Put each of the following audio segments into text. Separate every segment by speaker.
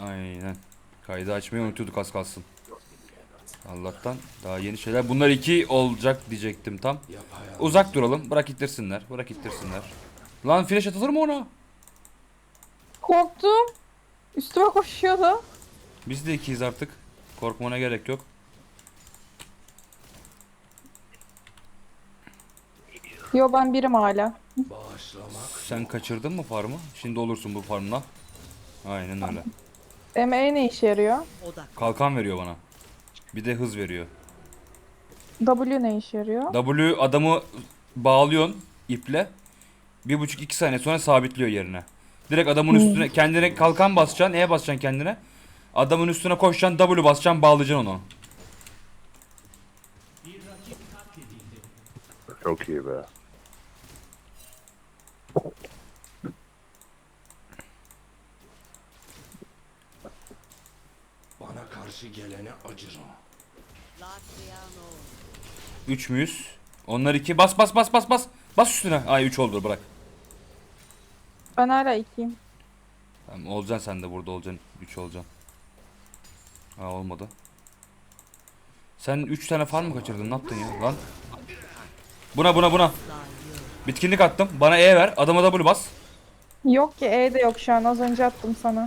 Speaker 1: Aynen. Kaydı açmayı unutuyorduk az kalsın. Allah'tan daha yeni şeyler. Bunlar 2 olacak diyecektim tam. Uzak duralım. Bırak ittirsinler. Bırak ittirsinler. Lan flash atılır mı ona?
Speaker 2: Korktum. Üstüme koşuyordu.
Speaker 1: Biz de 2'yiz artık. Korkmana gerek yok.
Speaker 2: Yo ben birim hala.
Speaker 1: Sen kaçırdın mı farmı? Şimdi olursun bu farmla. Aynen öyle.
Speaker 2: E ne işe yarıyor?
Speaker 1: Kalkan veriyor bana. Bir de hız veriyor.
Speaker 2: W ne işe yarıyor?
Speaker 1: W adamı bağlıyorsun iple. 1,5-2 saniye sonra sabitliyor yerine. Direkt adamın üstüne kendine kalkan basacaksın, E basacaksın kendine. Adamın üstüne koşacaksın, W basacaksın, bağlayacaksın onu.
Speaker 3: Çok iyi be.
Speaker 4: Bana karşı gelene acırım.
Speaker 1: 3 müyüz? Onlar 2. Bas bas bas bas bas. Bas üstüne. Ay 3 oldu, bırak.
Speaker 2: Ben hala 2'yim.
Speaker 1: Tamam, olacaksın sen de burada olacaksın. 3 olacaksın. Ha olmadı. Sen 3 tane farm mı kaçırdın? Ne yaptın ya lan? Buna. Bitkinlik attım. Bana E ver. Adama W bas.
Speaker 2: Yok ki E de yok şu an. Az önce attım sana.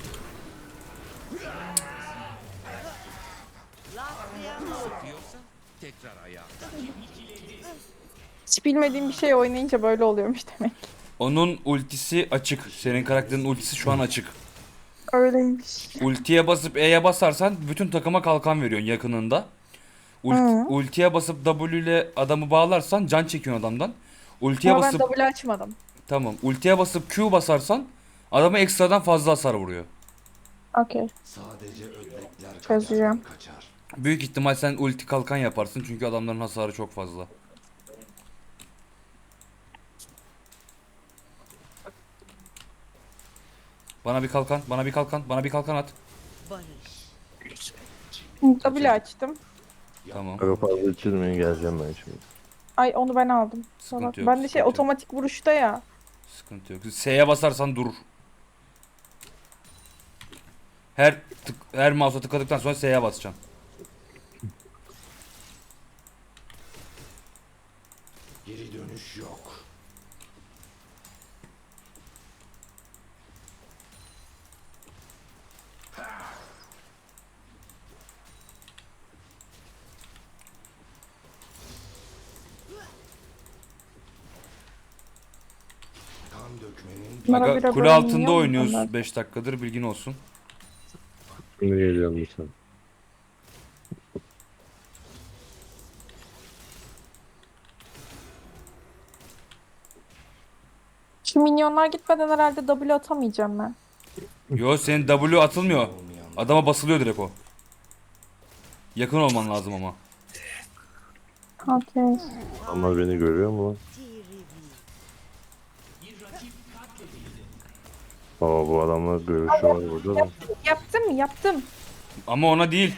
Speaker 2: Hiç bilmediğim bir şey oynayınca böyle oluyormuş demek.
Speaker 1: Onun ultisi açık. Senin karakterin ultisi şu an açık.
Speaker 2: Öyleymiş.
Speaker 1: Ultiye basıp E'ye basarsan bütün takıma kalkan veriyorsun yakınında.
Speaker 2: Hı.
Speaker 1: Ultiye basıp W ile adamı bağlarsan can çekiyorsun adamdan. Ultiye
Speaker 2: Ama ben
Speaker 1: basıp
Speaker 2: W açmadım.
Speaker 1: tamam. Ultiye basıp Q basarsan adama ekstradan fazla hasar vuruyor.
Speaker 2: Okey.
Speaker 4: Sadece ödlekler
Speaker 2: Çözeceğim.
Speaker 4: kaçar.
Speaker 1: Büyük ihtimal sen ulti kalkan yaparsın çünkü adamların hasarı çok fazla. Bana bir kalkan, bana bir kalkan at.
Speaker 2: W açtım.
Speaker 1: Tamam.
Speaker 3: Çok fazla içirmeyin, geleceğim ben şimdi.
Speaker 2: Ay onu ben aldım.
Speaker 1: Sıkıntı yok,
Speaker 2: Ben de
Speaker 1: sıkıntı yok.
Speaker 2: otomatik vuruşta ya.
Speaker 1: Sıkıntı yok. S'ye basarsan durur. Her mouse'a tıkladıktan sonra S'ye basacaksın.
Speaker 4: Geri dönüş yok. Kan dökmenin
Speaker 2: Bunlara
Speaker 1: Aga
Speaker 2: bire
Speaker 1: kule
Speaker 2: bölünüyor
Speaker 1: altında
Speaker 2: mu
Speaker 1: oynuyoruz
Speaker 2: bunlar?
Speaker 1: 5 dakikadır, bilgin olsun.
Speaker 3: Şimdi geliyorum lütfen.
Speaker 2: Şu minyonlar gitmeden herhalde W atamayacağım ben.
Speaker 1: Yo, senin W atılmıyor. Adama basılıyor direkt o. Yakın olman lazım ama.
Speaker 2: Okey.
Speaker 3: Ama beni görüyor mu lan? Baba bu adamlar görüşü var burada da.
Speaker 2: Yaptım.
Speaker 1: Ama ona değil.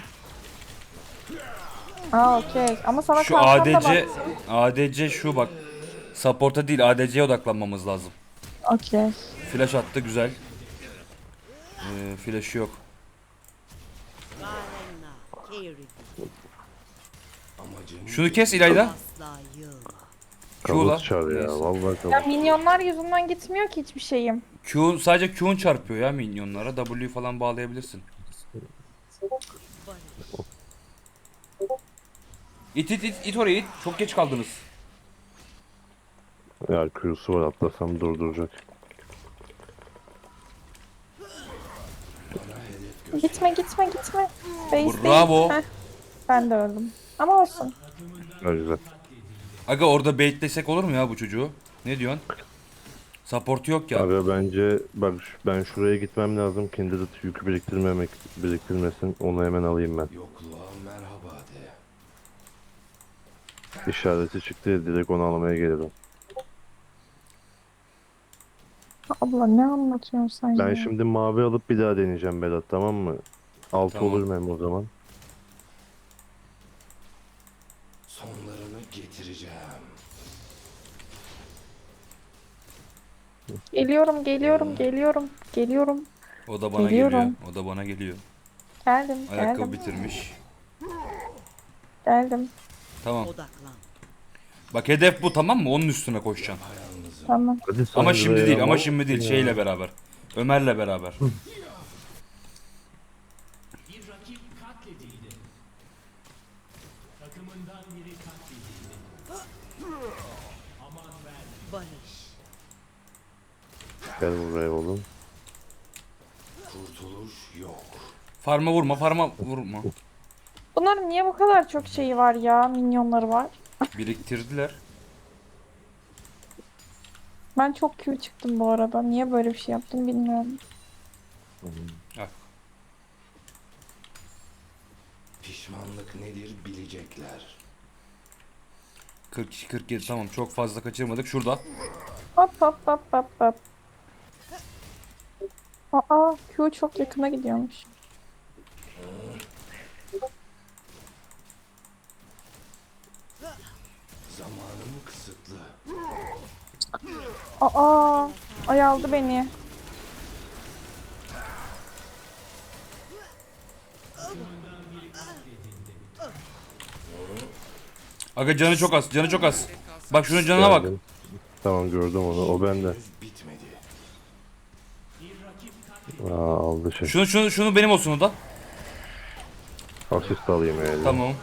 Speaker 2: Aa okey. Ama sana
Speaker 1: Şu
Speaker 2: kalkan da
Speaker 1: ADC
Speaker 2: baktım.
Speaker 1: ADC şu bak. Support'a değil ADC'ye odaklanmamız lazım.
Speaker 2: Okey.
Speaker 1: Flash attı, güzel. Flash'ı yok.
Speaker 4: amacın
Speaker 1: Şunu kes İlayda. Q'la.
Speaker 3: Kabus çağır ya.
Speaker 1: Neyse.
Speaker 3: Vallahi
Speaker 2: Ya
Speaker 3: kabus.
Speaker 2: minyonlar yüzünden gitmiyor ki hiçbir şeyim.
Speaker 1: Sadece Q'un çarpıyor ya minyonlara. W'yu falan bağlayabilirsin. İt oraya it. Çok geç kaldınız.
Speaker 3: Ya Q'su var, atlasam durduracak.
Speaker 2: Gitme. Base
Speaker 1: Bravo.
Speaker 2: değil. Heh, ben de öldüm. Ama olsun.
Speaker 3: Ha, güzel.
Speaker 1: Aga orada baitlesek olur mu ya bu çocuğu? Ne diyorsun? Support'u yok ya.
Speaker 3: Abi bence bak ben şuraya gitmem lazım. Kindred yükü biriktirmesin. Onu hemen alayım ben.
Speaker 4: yokluğa merhaba de.
Speaker 3: İşareti çıktı, direkt onu almaya gelirim.
Speaker 2: Abla ne anlatıyorsun sen
Speaker 3: Ben
Speaker 2: ya?
Speaker 3: şimdi mavi alıp bir daha deneyeceğim Berat, tamam mı? Altı
Speaker 1: Tamam.
Speaker 3: olur mu hem o zaman?
Speaker 4: Sonlarını getireceğim.
Speaker 2: Geliyorum.
Speaker 1: O da bana
Speaker 2: Geliyorum.
Speaker 1: geliyor. O da bana geliyor.
Speaker 2: Geldim,
Speaker 1: Ayakkabı
Speaker 2: geldim,
Speaker 1: bitirmiş.
Speaker 2: geldim.
Speaker 1: Tamam.
Speaker 5: Odaklan.
Speaker 1: Bak hedef bu, tamam mı? Onun üstüne koşacaksın.
Speaker 2: Tamam.
Speaker 3: Hadi
Speaker 1: Ama
Speaker 3: sen
Speaker 1: şimdi
Speaker 3: buraya
Speaker 1: değil, ama
Speaker 3: ama-
Speaker 1: şimdi değil.
Speaker 3: Ya.
Speaker 1: Şeyle beraber. Ömer'le beraber.
Speaker 5: Barış.
Speaker 3: Gel buraya oğlum.
Speaker 4: Kurtuluş yok.
Speaker 1: Farma vurma, farma vurma.
Speaker 2: Bunların niye bu kadar çok şeyi var ya? Minyonları var.
Speaker 1: Biriktirdiler.
Speaker 2: Ben çok Q çıktım bu arada. Niye böyle bir şey yaptım bilmiyorum.
Speaker 1: Al.
Speaker 4: Pişmanlık nedir bilecekler.
Speaker 1: 42 47 tamam, çok fazla kaçırmadık. Şurada.
Speaker 2: Hop hop hop hop hop. Aa, Q çok yakına gidiyormuş.
Speaker 4: Zamanım kısıtlı.
Speaker 2: Aa, ay aldı beni.
Speaker 1: Aga canı çok az, canı çok az. Bak şunun canına bak.
Speaker 3: Geldim. Tamam gördüm onu. O bende.
Speaker 4: Henüz bitmedi.
Speaker 3: Aa, aldı şey.
Speaker 1: Şunu benim olsun o da.
Speaker 3: Asist alayım öyle.
Speaker 1: Tamam.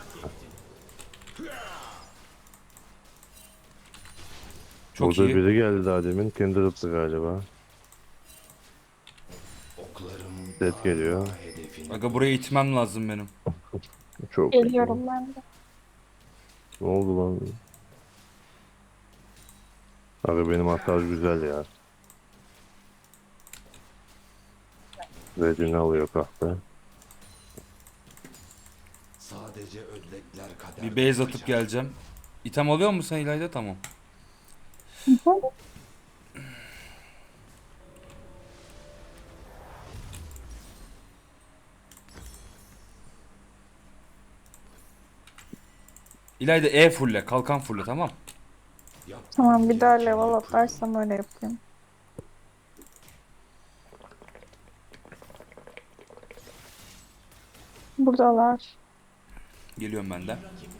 Speaker 1: Çok
Speaker 3: Burada
Speaker 1: iyi.
Speaker 3: biri geldi daha demin. Kindred'dı galiba.
Speaker 4: Oklarım
Speaker 3: Set geliyor.
Speaker 4: hedefini
Speaker 1: Aga buraya itmem lazım benim.
Speaker 3: Çok
Speaker 2: Geliyorum ben de.
Speaker 3: Ne oldu lan? Abi benim hasar güzel ya. Redini alıyor kahve.
Speaker 4: sadece ödlekler kadar
Speaker 1: Bir base atıp
Speaker 4: kaçar.
Speaker 1: geleceğim. İtem alıyor musun sen İlayda? Tamam. İlayda E fulle, kalkan fulle, tamam.
Speaker 2: Tamam, bir daha level atlarsam öyle yapayım. Buradalar.
Speaker 1: Geliyorum ben de.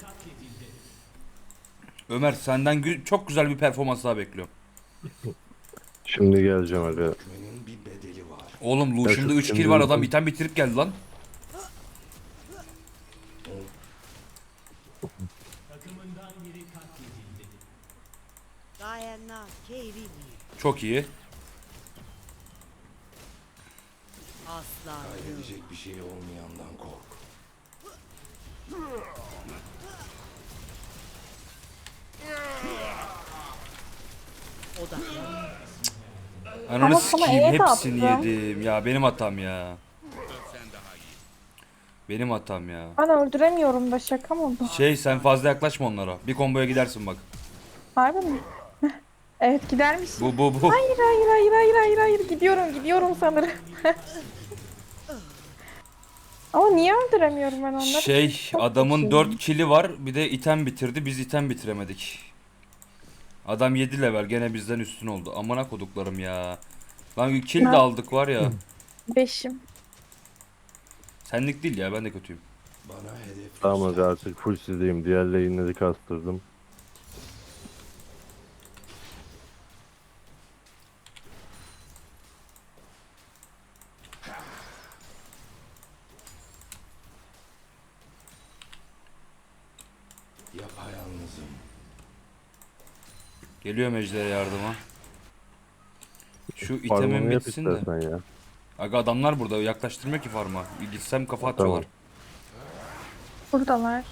Speaker 1: Ömer senden çok güzel bir performans daha bekliyorum.
Speaker 3: Şimdi geleceğim abi.
Speaker 4: Dökmenin bir bedeli var.
Speaker 1: Oğlum
Speaker 3: Ya
Speaker 1: Lucian'da
Speaker 3: şu
Speaker 1: 3 kill
Speaker 3: şimdi-
Speaker 1: var, adam item bitirip geldi lan.
Speaker 5: Diana Kerini.
Speaker 1: Çok iyi.
Speaker 5: Asla.
Speaker 4: Kaybedecek bir şey olmayandan kork.
Speaker 5: Odaklan.
Speaker 1: Ananı
Speaker 2: Ama sana
Speaker 1: sikeyim,
Speaker 2: E de
Speaker 1: hepsini
Speaker 2: attım.
Speaker 1: yedim. Ya benim hatam ya. Benim hatam ya.
Speaker 2: Ben öldüremiyorum da, şaka mı bu?
Speaker 1: Şey, sen fazla yaklaşma onlara. Bir komboya gidersin bak.
Speaker 2: Harbi mi? Evet, gidermiş.
Speaker 1: Bu.
Speaker 2: Hayır hayır hayır hayır hayır hayır, gidiyorum sanırım. Ama niye öldüremiyorum ben onları?
Speaker 1: Şey,
Speaker 2: Çok
Speaker 1: adamın
Speaker 2: kötü.
Speaker 1: 4 kill'i var. Bir de item bitirdi. Biz item bitiremedik. Adam 7 level, gene bizden üstün oldu. Amına koduklarım ya. Lan kill de
Speaker 2: Ne?
Speaker 1: aldık var ya.
Speaker 2: 5'im.
Speaker 1: Senlik değil ya, ben de kötüyüm.
Speaker 4: Bana hedef
Speaker 3: Tamam
Speaker 4: göster.
Speaker 3: artık full sizdeyim. Diğer lane'leri kastırdım.
Speaker 4: Yapayalnızım.
Speaker 1: Geliyor Ejder'e yardıma. Şu itemin
Speaker 3: Farmını yap
Speaker 1: bitsin de.
Speaker 3: istersen ya.
Speaker 1: Aga adamlar burada, yaklaştırmıyor ki farma. Gitsem kafa atıyorlar.
Speaker 2: Buradalar.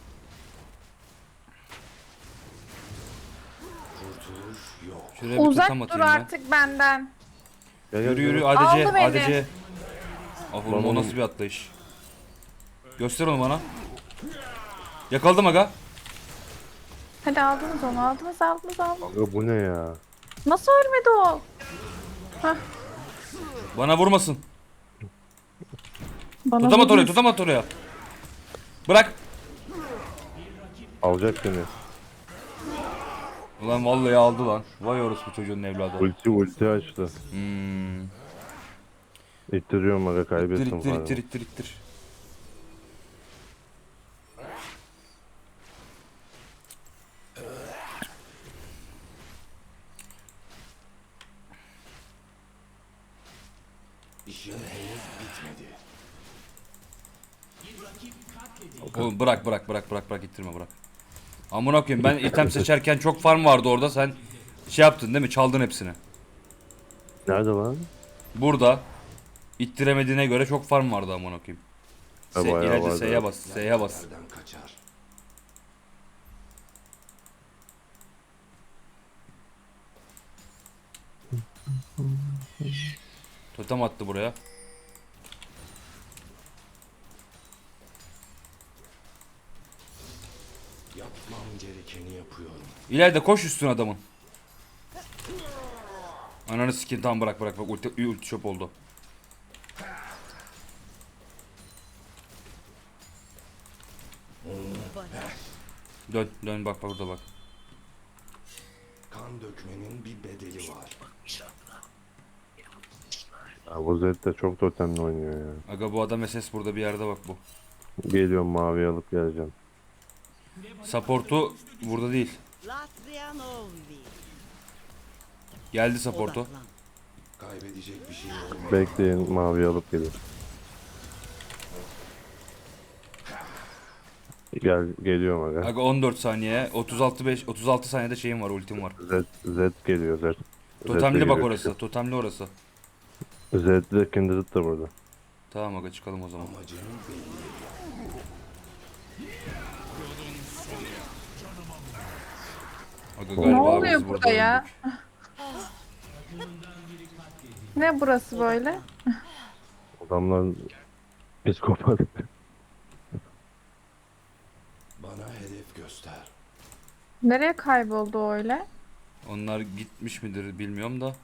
Speaker 4: Kurtuluş yok.
Speaker 1: Şuraya bir
Speaker 2: Uzak
Speaker 1: totem
Speaker 2: dur
Speaker 1: atayım ben.
Speaker 2: artık benden.
Speaker 3: Gel,
Speaker 1: Yürü
Speaker 3: gel,
Speaker 1: yürü
Speaker 3: gel.
Speaker 1: ADC
Speaker 2: Aldı beni.
Speaker 1: ADC. Ah oğlum, o
Speaker 3: Bana-
Speaker 1: nasıl bir atlayış. Göster onu bana. Yakaladım aga.
Speaker 2: Hadi aldınız onu, aldınız.
Speaker 3: Aga bu ne ya?
Speaker 2: Nasıl ölmedi o?
Speaker 1: Bana vurmasın.
Speaker 2: Bana
Speaker 1: Tutamat oraya,
Speaker 2: vurmuş.
Speaker 1: tutamat oraya. Bırak.
Speaker 3: Alacak seni.
Speaker 1: Ulan vallahi aldı lan. Vay orospu çocuğun evladı.
Speaker 3: Ulti açtı. İttiriyorum aga,
Speaker 1: İttir
Speaker 3: kaybettim
Speaker 1: ittir
Speaker 3: falan.
Speaker 1: ittir ittir ittir.
Speaker 4: İşin henüz bitmedi.
Speaker 1: Oğlum bırak ittirme bırak. Amına koyayım, ben item seçerken çok farm vardı orada, sen şey yaptın değil mi? Çaldın hepsini.
Speaker 3: Nerede lan?
Speaker 1: Burada ittiremediğine göre çok farm vardı amına koyayım.
Speaker 3: Ha, bayağı
Speaker 1: İleride
Speaker 3: vardı.
Speaker 1: S'ye bas, S'ye bas.
Speaker 4: Nereden kaçar?
Speaker 1: Totem attı buraya.
Speaker 4: Yapmam gerekeni yapıyorum.
Speaker 1: İleride koş üstüne adamın. Ananı sikeyim, tamam bırak ulti shop oldu.
Speaker 5: Barış.
Speaker 1: Dön bak burada bak.
Speaker 4: Kan dökmenin bir bedeli var.
Speaker 3: Ya bu Zed de çok totemli oynuyor ya.
Speaker 1: Aga bu adam SS burada bir yerde bak bu.
Speaker 3: Geliyorum, mavi alıp geleceğim.
Speaker 1: Support'u burada değil.
Speaker 5: Latrianovi.
Speaker 1: Geldi support'u.
Speaker 5: Odaklan.
Speaker 4: Kaybedecek bir şey olmadı.
Speaker 3: Bekleyin, mavi alıp gelin. Geliyorum aga.
Speaker 1: Aga 14 saniye, 36 saniyede şeyim var, ultim var.
Speaker 3: Zed geliyor, Zed.
Speaker 1: Totemli
Speaker 3: Zed
Speaker 1: bak
Speaker 3: geliyor.
Speaker 1: orası, totemli orası.
Speaker 3: Zed de Kindred de burada.
Speaker 1: Tamam aga, çıkalım o zaman.
Speaker 4: Amacın belli.
Speaker 1: Aga
Speaker 2: Ne
Speaker 1: galiba
Speaker 2: oluyor
Speaker 1: biz
Speaker 2: burada ya?
Speaker 1: öldük.
Speaker 2: Ne burası böyle?
Speaker 3: Adamlar psikopat.
Speaker 4: Bana hedef göster.
Speaker 2: Nereye kayboldu o öyle?
Speaker 1: Onlar gitmiş midir bilmiyorum da.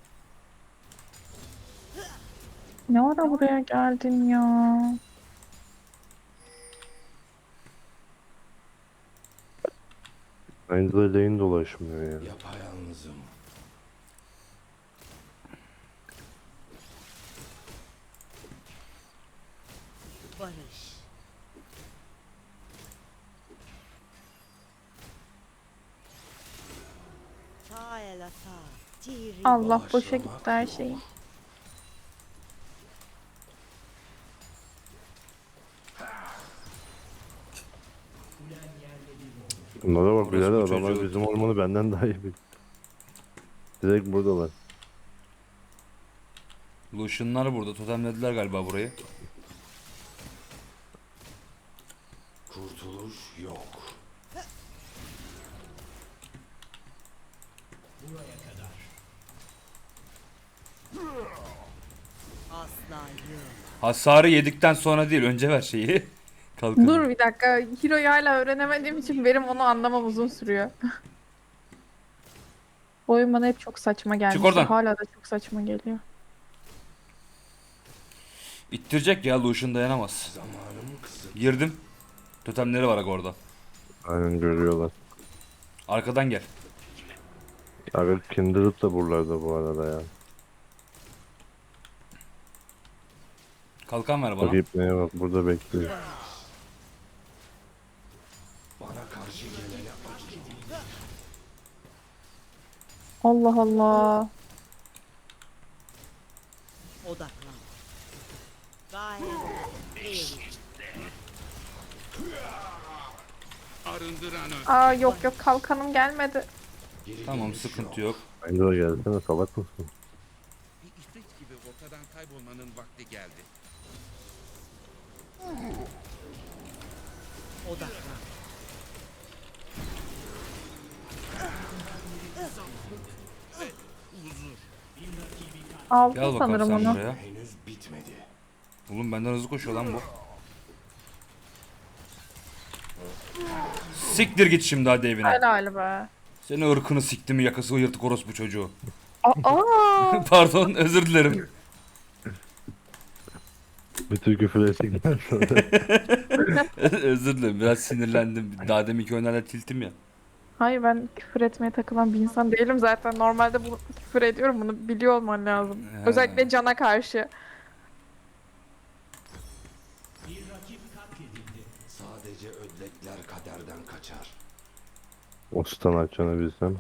Speaker 2: Ne ara buraya geldin ya?
Speaker 3: Aynı da lane dolaşmıyor ya.
Speaker 4: Yapayalnızım.
Speaker 5: Barış. Taelata. Tiri.
Speaker 2: Allah boşa
Speaker 4: Bağışlamak
Speaker 2: gitti her
Speaker 4: yok.
Speaker 2: şey.
Speaker 3: Bunlara bak
Speaker 1: Orası
Speaker 3: birader,
Speaker 1: bu
Speaker 3: adamlar
Speaker 1: çocuğu.
Speaker 3: bizim ormanı benden daha iyi biliyor. Direkt buradalar.
Speaker 1: Lucian'lar burada, totemlediler galiba burayı.
Speaker 4: Kurtuluş yok.
Speaker 5: Asla yok.
Speaker 1: Hasarı yedikten sonra değil, önce ver şeyi. Kalkın.
Speaker 2: Dur bir dakika. Hero'yu hala öğrenemediğim için benim onu anlamam uzun sürüyor. Bu oyun bana hep çok saçma gelmiş.
Speaker 1: oradan.
Speaker 2: Hala da çok saçma geliyor.
Speaker 1: İttirecek ya, Lucian dayanamaz.
Speaker 4: Zamanım kısıtlı.
Speaker 1: Girdim. Totemleri var aga orada.
Speaker 3: Aynen, görüyorlar.
Speaker 1: Arkadan gel.
Speaker 3: Abi Kindred de buralarda bu arada ya.
Speaker 1: Kalkan ver bana.
Speaker 3: Bak ipneye bak, burada bekliyor.
Speaker 4: Bana karşı gelene acı.
Speaker 2: Allah Allah.
Speaker 5: Odaklan. Gayet iyi.
Speaker 2: Aa yok kalkanım gelmedi.
Speaker 4: Geri
Speaker 1: Tamam,
Speaker 4: dönüş
Speaker 1: sıkıntı
Speaker 4: yok.
Speaker 1: yok.
Speaker 3: Aynı da gelsene, salak mısın?
Speaker 6: Bir ifrit gibi ortadan kaybolmanın vakti geldi.
Speaker 5: Odaklan.
Speaker 2: Aldım
Speaker 1: Gel bakalım
Speaker 2: sanırım
Speaker 1: sen
Speaker 2: onu.
Speaker 1: buraya.
Speaker 4: Henüz bitmedi.
Speaker 1: Oğlum benden hızlı koşuyor lan bu. Siktir git şimdi hadi evine.
Speaker 2: Helal be.
Speaker 1: Seni ırkını sikti mi yakası yırtık orospu çocuğu.
Speaker 2: Aa,
Speaker 1: Pardon, özür dilerim.
Speaker 3: Bütün küfür ettikten sonra.
Speaker 1: Özür dilerim, biraz sinirlendim. Daha deminki oynarda tiltim ya.
Speaker 2: hayır ben küfür etmeye takılan bir insan değilim zaten. Normalde bu küfür ediyorum, bunu biliyor olman lazım.
Speaker 1: Ha.
Speaker 2: Özellikle cana karşı.
Speaker 4: Nice ödlekler kaderden kaçar.
Speaker 3: O stun açacağını bilsem.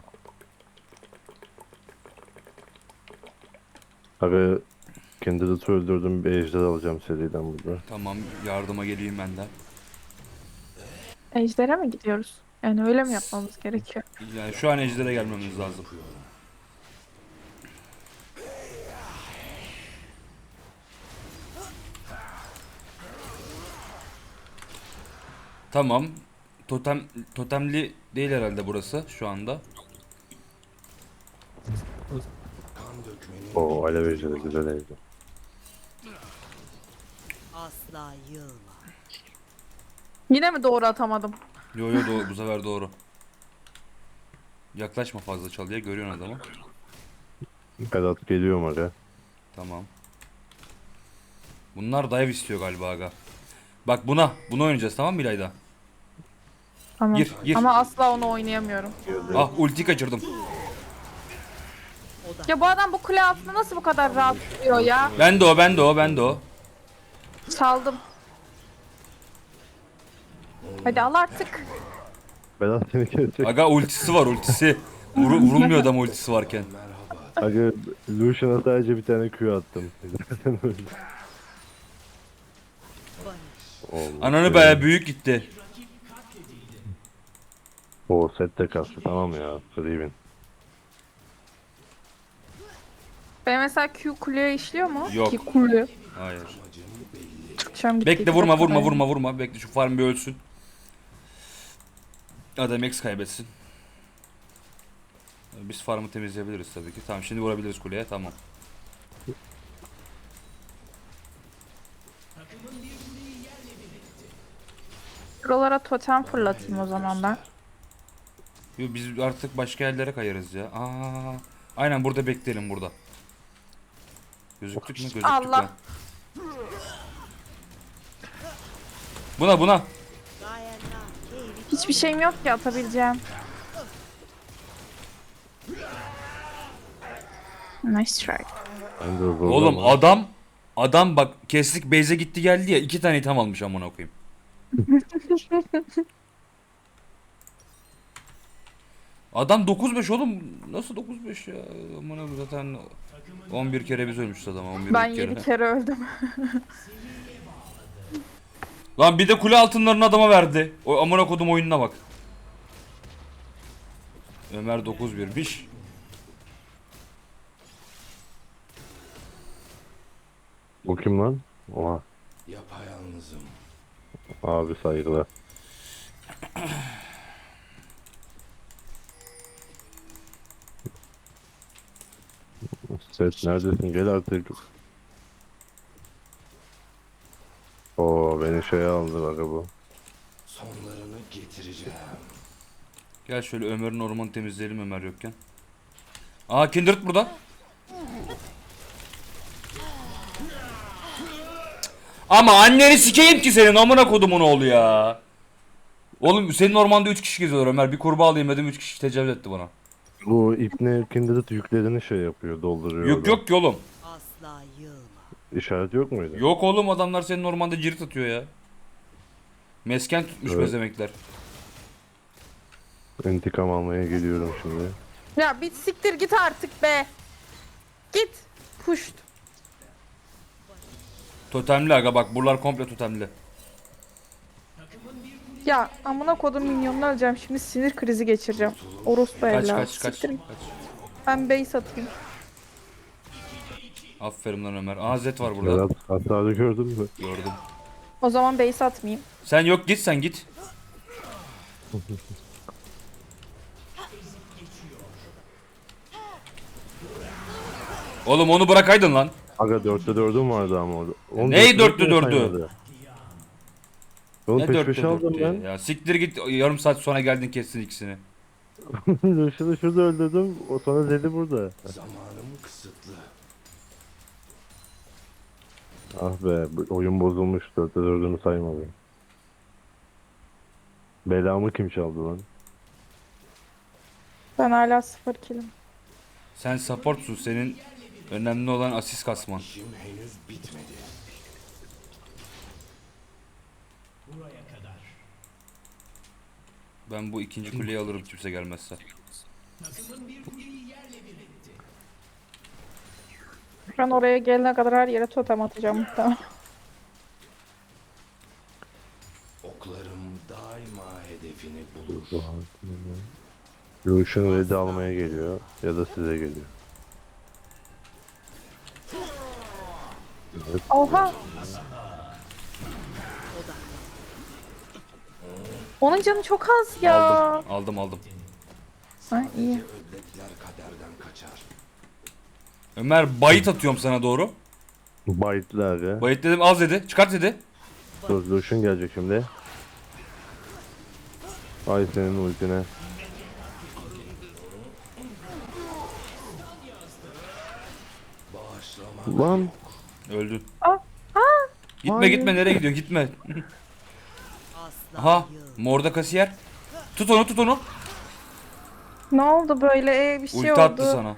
Speaker 3: Aga Kindred'ı öldürdüm, bir ejder alacağım seriden burada.
Speaker 1: Tamam, yardıma geleyim ben de.
Speaker 2: Ejder'e mi gidiyoruz? Yani öyle mi yapmamız gerekiyor?
Speaker 1: Yani şu an ejdere gelmemiz lazım. Tamam. Totemli değil herhalde burası şu anda.
Speaker 4: Kan dökmenin
Speaker 3: Oo alev ejderi güzel ejder.
Speaker 5: Asla yılma.
Speaker 2: Yine mi doğru atamadım?
Speaker 1: Yo yo doğru, bu sefer doğru. Yaklaşma fazla çalıya, görüyorsun adamı.
Speaker 3: Berat geliyorum aga.
Speaker 1: Tamam. Bunlar dive istiyor galiba aga. Bak bunu oynayacağız, tamam mı İlayda?
Speaker 2: Tamam.
Speaker 1: Gir.
Speaker 2: Ama asla onu oynayamıyorum.
Speaker 1: Ah, ulti kaçırdım.
Speaker 2: Ya bu adam bu kule altında nasıl bu kadar rahat duruyor ya?
Speaker 1: Ben de o.
Speaker 2: Çaldım. Hadi al artık.
Speaker 3: Berat seni kesecek.
Speaker 1: Aga ultisi var, ultisi. Vurulmuyor adam ultisi varken.
Speaker 3: Aga Lucian'a sadece bir tane Q attım.
Speaker 5: Barış.
Speaker 3: Olmuş.
Speaker 1: Ananı be, büyük gitti.
Speaker 3: O set de kastı tamam ya. Riven.
Speaker 2: Benim mesela Q kuleye işliyor mu?
Speaker 1: Yok.
Speaker 2: Ki kule.
Speaker 1: Hayır.
Speaker 2: Çıkacağım gitti.
Speaker 1: Bekle, vurma. Bekle, şu farm bir ölsün. Adam X kaybetsin. Biz farmı temizleyebiliriz tabii ki. Tamam, şimdi vurabiliriz kuleye, tamam.
Speaker 2: Buralara totem fırlatayım o zaman ben.
Speaker 1: Yo, biz artık başka yerlere kayarız ya. Aynen, burada bekleyelim burada. Gözüktük mü? Gözüktük
Speaker 2: Allah.
Speaker 1: lan. Buna.
Speaker 5: Gayena. Keyri.
Speaker 2: Hiçbir şeyim yok ki atabileceğim. Nice try.
Speaker 3: Ben de zorlama.
Speaker 1: Oğlum adam bak, kestik base'e gitti geldi ya, 2 tane item almış amına koyayım. Adam 9-5 oğlum, nasıl 9-5 ya, amına koyayım, zaten 11 kere biz ölmüşüz adama, 11
Speaker 2: Ben
Speaker 1: kere.
Speaker 2: 7 kere öldüm.
Speaker 1: Lan bir de kule altınlarını adama verdi. O amına kodum oyununa bak. Ömer 9-1'miş.
Speaker 3: Bu kim lan? Oha.
Speaker 4: yapayalnızım.
Speaker 3: Abi saygılar. Set neredesin? Gel artık. Oo beni şeye aldı bak bu.
Speaker 4: Sonlarını getireceğim.
Speaker 1: Gel şöyle Ömer'in ormanı temizleyelim Ömer yokken. Aa, Kindred burada. Ama anneni sikeyim ki senin amına kodumun oğlu ya. Oğlum senin ormanda 3 kişi geziyor Ömer. Bir kurbağa alayım dedim, 3 kişi tecavüz etti bana.
Speaker 3: Bu ipne Kindred yüklerini şey yapıyor, dolduruyor.
Speaker 1: Yok
Speaker 3: orada.
Speaker 1: yok ki oğlum.
Speaker 5: Asla yılma.
Speaker 3: İşaret yok muydu?
Speaker 1: Yok oğlum, adamlar senin ormanda cirit atıyor ya. Mesken tutmuş
Speaker 3: Evet.
Speaker 1: bezemekler.
Speaker 3: İntikam almaya geliyorum şimdi.
Speaker 2: Ya bir siktir git artık be. Git. Puşt.
Speaker 1: Totemli aga, bak buralar komple totemli.
Speaker 2: Ya amına kodum minyonunu öleceğim şimdi, sinir krizi geçireceğim. Orospu
Speaker 1: Kaç
Speaker 2: evladı.
Speaker 1: kaç kaç.
Speaker 2: Siktir git.
Speaker 1: Kaç.
Speaker 2: Ben base atayım.
Speaker 1: Aferin lan Ömer. Aa, Zed var burada.
Speaker 3: Berat hasarı gördün mü?
Speaker 1: Gördüm.
Speaker 2: O zaman base atmayayım.
Speaker 1: Sen yok, git sen git. Oğlum onu bırakaydın lan.
Speaker 3: Aga 4'te 4'üm vardı ama orada. Oğlum
Speaker 1: Neyi
Speaker 3: 4'te
Speaker 1: 4'te 4'ü?
Speaker 3: saymadı. Oğlum
Speaker 1: Ne
Speaker 3: peş
Speaker 1: 4'te
Speaker 3: peşe aldım
Speaker 1: 4'tü
Speaker 3: ben.
Speaker 1: ya. Siktir git, yarım saat sonra geldin kestin ikisini.
Speaker 3: Lucian'ı şurada öldürdüm. O sonra Zed'i burada.
Speaker 4: Zamanım kısıtlı.
Speaker 3: Ah be bu oyun bozulmuş. 4'te 4'ümü saymadı. Belamı kim çaldı lan?
Speaker 2: Ben hala 0 killim.
Speaker 1: Sen supportsun, senin önemli olan asist kasman.
Speaker 4: İşim henüz bitmedi.
Speaker 1: Ben bu ikinci kuleyi alırım kimse gelmezse.
Speaker 2: Ben oraya gelene kadar her yere totem atacağım muhtemelen.
Speaker 4: Oklarım daima hedefini bulur.
Speaker 3: Lucian red'i almaya geliyor ya da size geliyor.
Speaker 2: Oha! Onun canı çok az ya.
Speaker 1: Aldım.
Speaker 2: Ha, iyi.
Speaker 4: Ödlekler kaderden kaçar.
Speaker 1: Ömer bayit atıyorum sana doğru.
Speaker 3: Bayitli abi.
Speaker 1: Bayit dedim az dedi. Çıkart dedi.
Speaker 3: Dur Lucian gelecek şimdi. Ay senin ultine.
Speaker 4: Bağışlama.
Speaker 3: Lan
Speaker 1: Öldün.
Speaker 2: Aa,
Speaker 1: Gitme
Speaker 3: Hayır.
Speaker 1: gitme nereye gidiyor gitme.
Speaker 5: Asla
Speaker 1: Aha
Speaker 5: yıl.
Speaker 1: morda kasiyer. Tut onu.
Speaker 2: ne oldu böyle? Bir şey
Speaker 1: Ulti
Speaker 2: oldu.
Speaker 1: attı sana.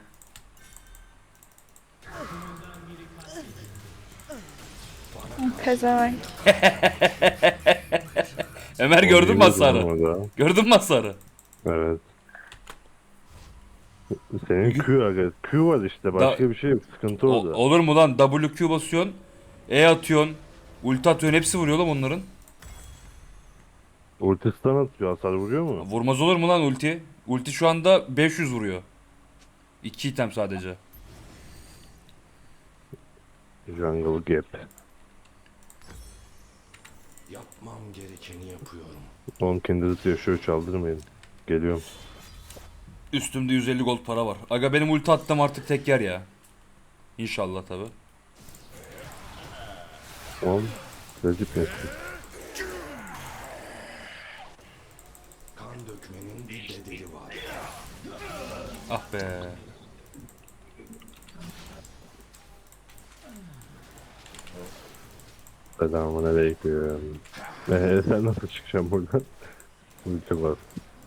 Speaker 2: Pezevenk.
Speaker 1: Ömer gördün mü hasarı?
Speaker 3: Orada.
Speaker 1: Gördün mü hasarı?
Speaker 3: Evet. Senin Q aga. Q var işte. Başka bir şey yok. Sıkıntı orada.
Speaker 1: Olur mu lan? WQ basıyorsun. E atıyorsun. Ulti atıyorsun. Hepsi vuruyor lan onların.
Speaker 3: Ulti stun atıyor. Hasar vuruyor mu?
Speaker 1: Vurmaz olur mu lan ulti? Ulti şu anda 500 vuruyor. 2 item sadece.
Speaker 3: Jungle Gap.
Speaker 4: Yapmam gerekeni yapıyorum.
Speaker 3: Oğlum kendinizi yaşıyor. Çaldırmayın. Geliyorum.
Speaker 1: Üstümde 150 gold para var. Aga benim ulti attım artık tek yer ya. İnşallah tabi.
Speaker 3: Oğlum. Recep nesin?
Speaker 4: Kan dökmenin bir bedeli var.
Speaker 1: Ah be.
Speaker 3: Selamun aleyküm. Sen nasıl çıkacaksın buradan? Ulti var.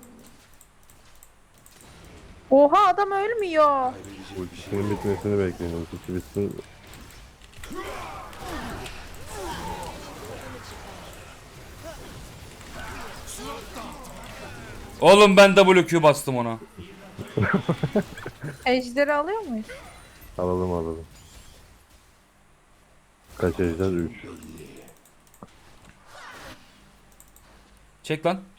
Speaker 2: Oha adam ölmüyor.
Speaker 3: Ultisinin bitmesini bekleyin. Ultisi bitsin.
Speaker 1: Oğlum ben WQ bastım ona.
Speaker 2: Ejderi alıyor muyuz?
Speaker 3: Alalım. Kaç ejder? 3.
Speaker 1: Çek lan.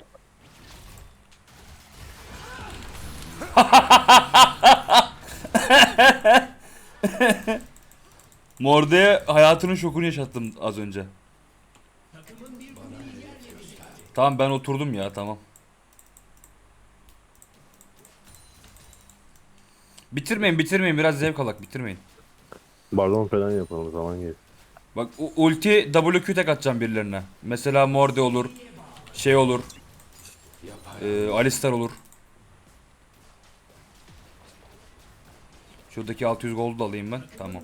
Speaker 1: Morde'ye hayatının şokunu yaşattım az önce. Tamam ben oturdum ya tamam. Bitirmeyin biraz zevk alak bitirmeyin.
Speaker 3: Baron falan yapalım zaman geç.
Speaker 1: Bak ulti WQ tek atacağım birilerine. Mesela Morde olur. Şey olur. Alistar olur. Şuradaki 600 gold da alayım ben. Tamam.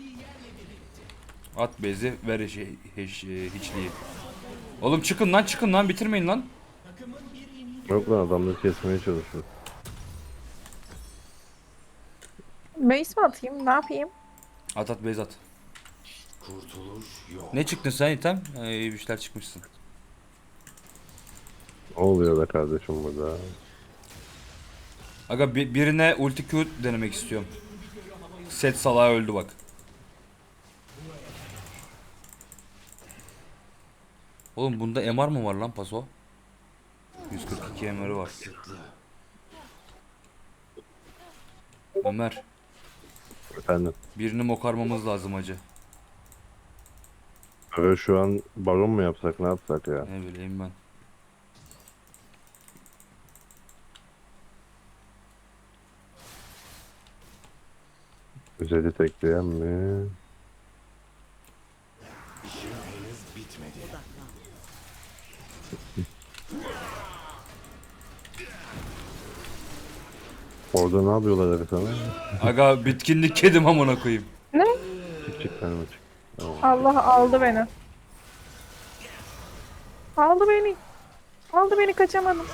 Speaker 1: At bezi ver hiçliği. Oğlum çıkın lan bitirmeyin lan.
Speaker 3: Yok lan adamları kesmeye çalışıyor.
Speaker 2: Base mi atayım? Ne yapayım?
Speaker 1: At bezi at.
Speaker 4: Kurtuluş yok.
Speaker 1: Ne çıktın sen item? İyi bir şeyler çıkmışsın.
Speaker 3: Ne oluyor be kardeşim burada?
Speaker 1: Aga birine ulti Q denemek istiyorum. Set salağı öldü bak. Oğlum bunda MR mı var lan paso? 142 MR'ı var.
Speaker 4: Kısıtlı.
Speaker 1: Ömer,
Speaker 3: Efendim.
Speaker 1: birini mokarmamız lazım acı.
Speaker 3: Şu an baron mu yapsak ne yapsak ya?
Speaker 1: Ne bileyim ben.
Speaker 3: Güzeli tekleyen mi?
Speaker 4: İşim henüz bitmedi.
Speaker 5: Odaklan.
Speaker 3: Orada ne yapıyorlar abi sana?
Speaker 1: Aga bitkinlik kedim amına koyayım.
Speaker 2: Ne?
Speaker 3: Çık tane çık.
Speaker 2: Allah aldı beni. Aldı beni kaçamadım.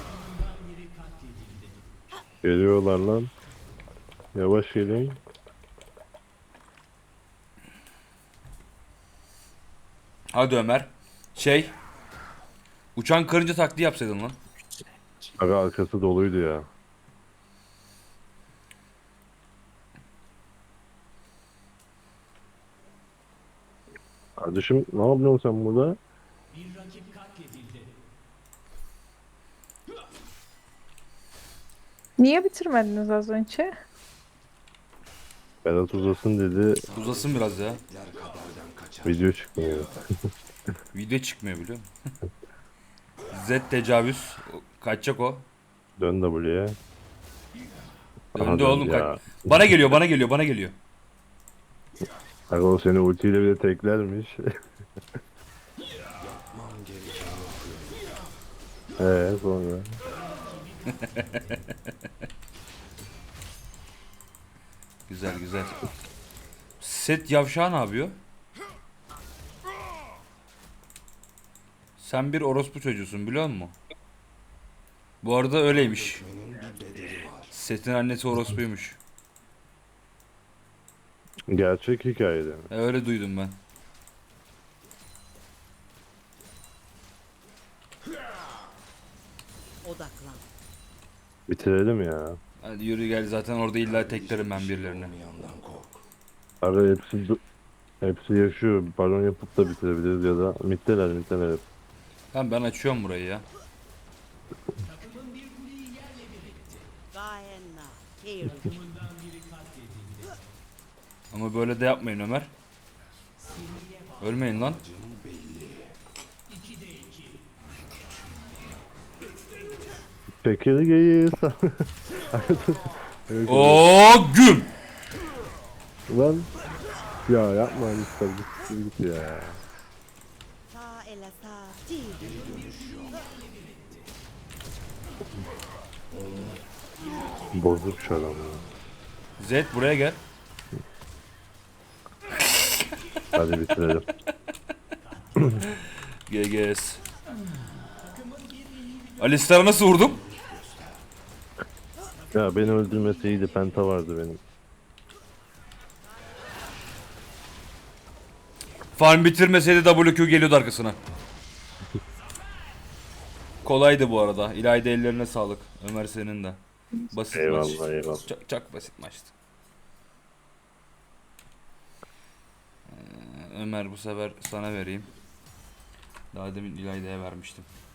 Speaker 3: Geliyorlar lan. Yavaş gelin.
Speaker 1: Hadi Ömer. Uçan karınca taktiği yapsaydın lan.
Speaker 3: Aga arkası doluydu ya. Kardeşim ne yapıyorsun sen burada?
Speaker 2: Niye bitirmediniz az önce?
Speaker 3: Berat uzasın dedi.
Speaker 1: Uzasın biraz ya.
Speaker 4: Ler kaderden kaçar.
Speaker 3: Video çıkmıyor.
Speaker 1: Video çıkmıyor biliyor musun? Z tecavüz. Kaçacak o.
Speaker 3: Dön W'ye.
Speaker 1: Döndü
Speaker 3: Aha,
Speaker 1: oğlum
Speaker 3: ya.
Speaker 1: kaç. Bana geliyor bana geliyor bana geliyor.
Speaker 3: Aga o seni ultiyle bile teklermiş.
Speaker 4: Yapmam gerekeni yapıyorum.
Speaker 3: Sonra.
Speaker 1: Güzel güzel. Set yavşağı ne yapıyor? Sen bir orospu çocuğusun biliyor musun? Bu arada öyleymiş.
Speaker 4: Dökmenin bir bedeli var.
Speaker 1: Set'in annesi orospuymuş.
Speaker 3: Gerçek hikayede mi?
Speaker 1: Öyle duydum ben.
Speaker 5: Odaklan.
Speaker 3: Bitirelim ya.
Speaker 1: Hadi yürü gel zaten orada illa teklerim ben
Speaker 4: Hiçbir şey
Speaker 1: birilerini.
Speaker 4: olmayandan kork.
Speaker 3: Aga hepsi yaşıyor. Baron yapıp da bitirebiliriz ya da mitteler hep.
Speaker 1: Tamam ben açıyorum burayı ya.
Speaker 5: Gayenna. Keyri.
Speaker 1: Ama böyle de yapmayın Ömer. Ölmeyin lan.
Speaker 4: Acım belli.
Speaker 3: Çekirgeyi
Speaker 1: Oo güm.
Speaker 3: Lan. Ya yapma lütfen git ya.
Speaker 5: Ta ele sa. Ti.
Speaker 3: Bozuk şu adam ya.
Speaker 1: Z buraya gel.
Speaker 3: Hadi bitirelim.
Speaker 1: GGS. Alistar'a nasıl vurdum?
Speaker 3: Ya beni öldürmesi iyiydi. Penta vardı benim.
Speaker 1: Farm bitirmeseydi WQ geliyordu arkasına. Kolaydı bu arada. İlayda ellerine sağlık. Ömer senin de. Basit maç.
Speaker 3: Eyvallah eyvallah.
Speaker 1: Çok basit maçtı. Ömer bu sefer sana vereyim. Daha demin İlayda'ya vermiştim.